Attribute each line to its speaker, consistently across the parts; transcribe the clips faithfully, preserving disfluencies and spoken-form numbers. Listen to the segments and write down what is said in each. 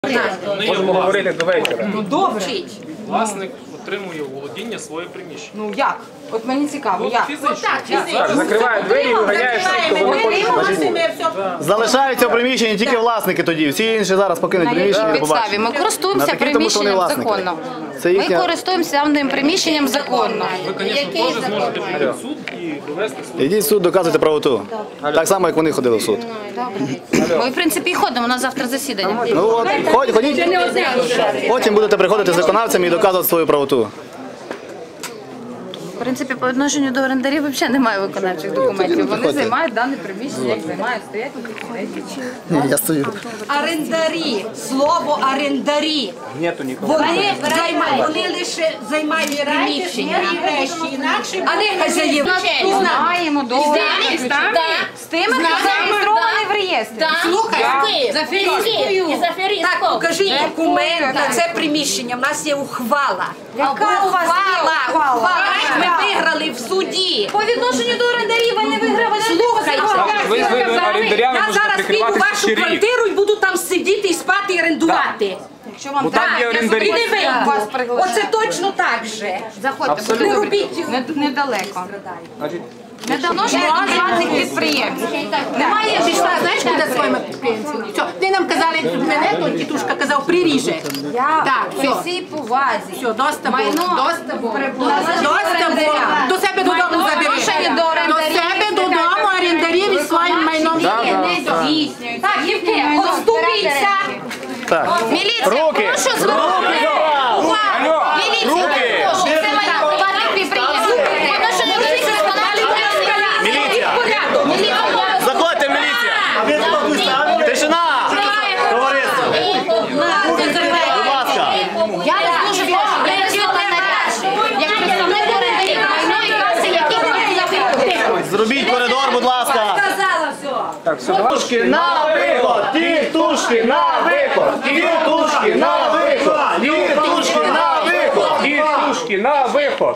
Speaker 1: Можемо говорити до вечора.
Speaker 2: Ну добре.
Speaker 3: Власник отримує у володіння своє приміщення.
Speaker 2: Ну як? От мені цікаво, як?
Speaker 1: Закривають двері і виганяють, що вони хочуть.
Speaker 4: Залишаються в приміщенні тільки власники тоді. Всі інші зараз покинуть приміщення.
Speaker 5: Підставі. Ми користуємося приміщенням законно. Ми користуємося даним приміщенням законно.
Speaker 3: Ви, звісно, теж зможете прийти в суд і довести свою.
Speaker 4: Ідіть в суд, доказуйте правоту. Так само, як вони ходили в суд.
Speaker 5: Ми, в принципі, і ходимо, у нас завтра засідання.
Speaker 4: Ну от, ходь- ходіть. Потім будете приходити з виконавцями і доказувати свою правоту.
Speaker 5: В принципі, по відношенню до орендарів взагалі немає виконавчих документів.
Speaker 2: Вони займають дане приміщення, як займають, стоять на кабінеті.
Speaker 4: Ні, я стою.
Speaker 6: Орендарі, слово орендарі.
Speaker 1: Нету нікого.
Speaker 6: Вони займають, вони лише займають приміщення. А не хазяїв.
Speaker 5: Маємо договір з тими, хто зареєстрований в реєстрі.
Speaker 6: Слухай,
Speaker 7: І за аферистку.
Speaker 6: так, покажіть документ на це приміщення. У нас є ухвала.
Speaker 5: Яка у вас є ухвала?
Speaker 6: Ухвала. Ми виграли в суді.
Speaker 5: По відношенню до орендарів ви не виграли.
Speaker 6: Слухайте,
Speaker 1: Ви з орендарями
Speaker 6: я
Speaker 1: можете
Speaker 6: зараз піду в
Speaker 1: прикриватися
Speaker 6: вашу
Speaker 1: ще рік.
Speaker 6: квартиру і буду там сидіти і спати і орендувати.
Speaker 5: Якщо вам
Speaker 1: Бо там є
Speaker 6: І
Speaker 1: орендарі.
Speaker 6: не вийду.
Speaker 5: Вас приглашаю.
Speaker 6: Оце точно так же.
Speaker 5: Заходьте, будь
Speaker 6: Не
Speaker 5: ласка.
Speaker 6: робіть.
Speaker 5: Не- недалеко.
Speaker 1: Значить,
Speaker 5: Недавно ж приватних підприємців.
Speaker 6: Немає пішла, знаєш, куди своїми підприємцями? Все, ти нам казали, мене, то тітушка казав, приріже.
Speaker 5: Я
Speaker 6: Так,
Speaker 5: при
Speaker 6: все.
Speaker 5: всій повазі.
Speaker 6: Все, доста було,
Speaker 5: Майно
Speaker 6: доста було.
Speaker 5: належить
Speaker 6: Доста було.
Speaker 5: орендарям.
Speaker 6: До себе додому забери.
Speaker 5: Відношення до
Speaker 6: До
Speaker 5: орендарів.
Speaker 6: себе додому орендарів і своїм майном.
Speaker 5: Дії не здійснюються.
Speaker 6: Так,
Speaker 5: Їхнє
Speaker 6: Євген,
Speaker 5: майно
Speaker 6: отступіться.
Speaker 5: збережеться.
Speaker 4: Так.
Speaker 5: Міліція,
Speaker 4: Руки!
Speaker 5: прошу зробити. Увага! Міліція, прошу. Це майно приватних підприємців. Відношення до цих виконавчих
Speaker 4: Міліція! Заходьте, міліція! Тишина! Товариство! Будь ласка!
Speaker 5: Я вас дуже прошу, я чітко наряджу. Як представник орендарів, майно і каси, які не
Speaker 4: Зробіть коридор, будь ласка!
Speaker 6: Сказала все.
Speaker 1: так, все, давай.
Speaker 4: Тітушки на виход! Тітушки на виход! Тітушки на виход! Тітушки на виход!
Speaker 1: Тітушки на виход.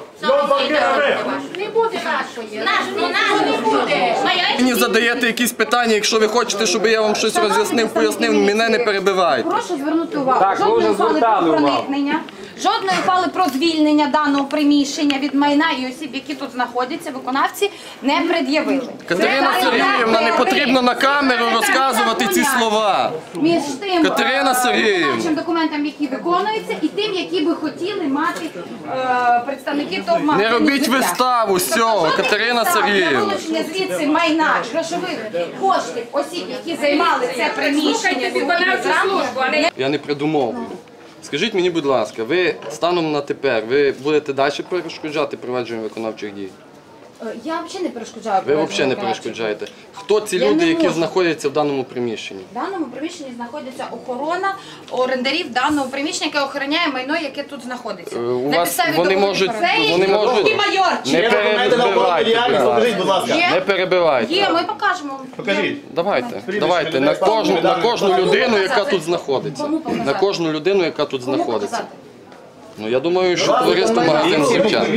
Speaker 7: Не буде нашої. Наш, ну наш не буде.
Speaker 8: Мені задаєте якісь питання, якщо ви хочете, щоб я вам щось роз'яснив, пояснив, мене не перебивайте.
Speaker 5: Прошу звернути увагу.
Speaker 1: Так, ви
Speaker 5: Жодної
Speaker 1: вже
Speaker 5: ухвали
Speaker 1: звертали
Speaker 5: про
Speaker 1: увагу.
Speaker 5: проникнення, жодної ухвали про звільнення даного приміщення від майна і осіб, які тут знаходяться, виконавці не пред'явили.
Speaker 8: Катерина
Speaker 5: Це
Speaker 8: Сергіївна, не потрібно на камеру розказувати ці слова.
Speaker 5: Між тим
Speaker 8: Катерина
Speaker 5: е,
Speaker 8: Сергіївна.
Speaker 5: виконавчим документам, які виконуються, і тим, які би хотіли мати е, представники ТОВ.
Speaker 8: Не робіть виставу з цього, Катерина Сергіївна.
Speaker 5: Вилучення звідси майна, грошових коштів осіб, які займали це приміщення. зранку,
Speaker 8: Я не придумовую. Скажіть мені, будь ласка, ви станом на тепер, ви будете далі перешкоджати провадженню виконавчих дій?
Speaker 5: Е, Я взагалі не перешкоджаю.
Speaker 8: Ви
Speaker 5: проведенню
Speaker 8: взагалі не
Speaker 5: виконавчих.
Speaker 8: перешкоджаєте. Хто ці
Speaker 5: Я
Speaker 8: люди,
Speaker 5: не
Speaker 8: які
Speaker 5: можу.
Speaker 8: знаходяться в даному приміщенні?
Speaker 5: В даному приміщенні знаходиться охорона орендарів даного приміщення, яке охороняє майно, яке тут знаходиться.
Speaker 8: Е, У
Speaker 5: На
Speaker 8: вас
Speaker 5: підставі
Speaker 8: вони
Speaker 5: договору
Speaker 8: можуть,
Speaker 5: про оренду.
Speaker 8: вони можуть, не перебивайте, будь ласка.
Speaker 4: будь ласка.
Speaker 5: Є?
Speaker 8: Не перебивайте.
Speaker 5: Є, ми покажемо.
Speaker 4: Покажіть.
Speaker 8: Давайте, давайте, на кожну, на кожну людину, яка тут знаходиться. На кожну людину, яка тут
Speaker 5: Кому
Speaker 8: знаходиться.
Speaker 5: показати?
Speaker 8: Ну, я думаю, що товариство магазин «Сівчан».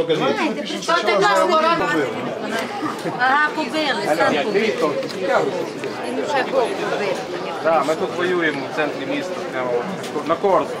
Speaker 6: Ти нас ворона. Ага, побили.
Speaker 1: Так, ми тут воюємо в центрі міста, прямо на Корсу.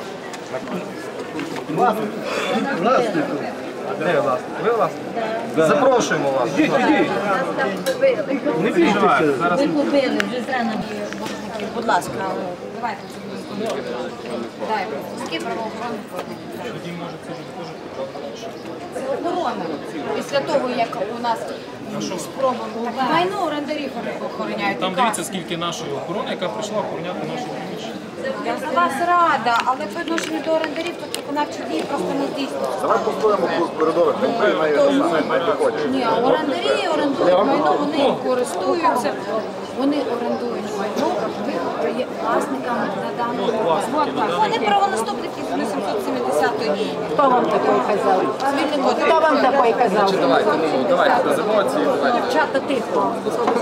Speaker 1: Де власник? Ви власник? Запрошуємо вас. Ідіть, ідіть. Не переживайте, зараз.
Speaker 7: Ви побили, вже зрано.
Speaker 6: Будь ласка.
Speaker 5: Давайте. Дай, скільки правоохоронних органів. Це охорона. Після того, як у нас спроба майно орендарів охороняють.
Speaker 3: Там дивіться, скільки нашої охорони, яка прийшла охороняти наше приміщення.
Speaker 5: Я за вас рада, але по відношенню до орендарів тут виконавчі дії просто не здійснюються.
Speaker 4: Давай постоїмо в коридорах,
Speaker 5: Ні, а орендарі орендують майно, вони користуються, вони орендують майно, ви є власниками на даному. Вони правонаступники з сімсот сімдесятої.
Speaker 6: Хто вам такий казав? Хто вам такий казав?
Speaker 8: Давайте, ну, давайте, без емоцій, давайте.
Speaker 6: Дівчата, тихо.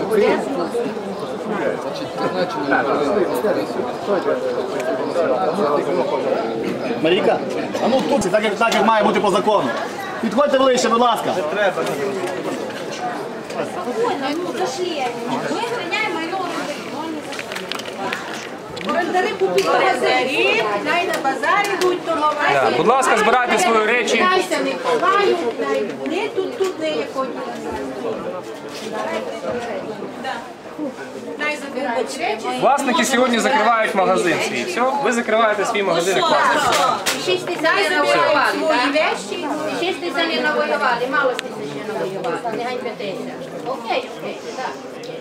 Speaker 4: Марійка, а ну тут, так як, так як має бути по закону. Підходьте ближче, будь ласка.
Speaker 5: Спокійно, ну зашли. Ми охороняємо майно орендарів.
Speaker 6: Орендари купіть орендарі, най на базарі будуть торгувати.
Speaker 3: Да, будь ласка, збирайте свої речі.
Speaker 6: Найся не ховають, най не тут, тут не якої. Най забирають речі.
Speaker 3: Власники сьогодні закривають магазин свій. Все, ви закриваєте свій магазин як власник.
Speaker 7: Шість тисяч
Speaker 6: Най
Speaker 7: не
Speaker 6: забирають
Speaker 7: навоювали,
Speaker 6: свої
Speaker 7: так?
Speaker 6: вещі.
Speaker 7: Шість тисяч не навоювали, мало тисяч не навоювали, нехай п'ять тисяч. Окей, окей, так.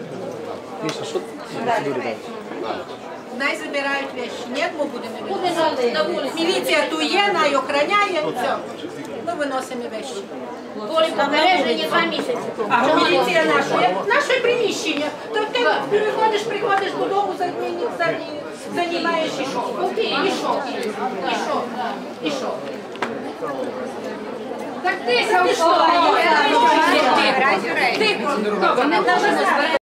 Speaker 6: Най забирають вещі. Ні, ми будемо
Speaker 7: Буде
Speaker 6: виносити.
Speaker 7: на вулиці.
Speaker 6: Міліція тут є, най охороняє, все. Ми виносимо вещі.
Speaker 7: Коли попередження два місяці.
Speaker 6: А міліція наша, наше приміщення. То ти приходиш, приходиш додому, займаєш і що?
Speaker 7: Окей,
Speaker 6: І що? І що? І що?
Speaker 2: Так ти, Савко,
Speaker 6: Ти,
Speaker 2: вони навіть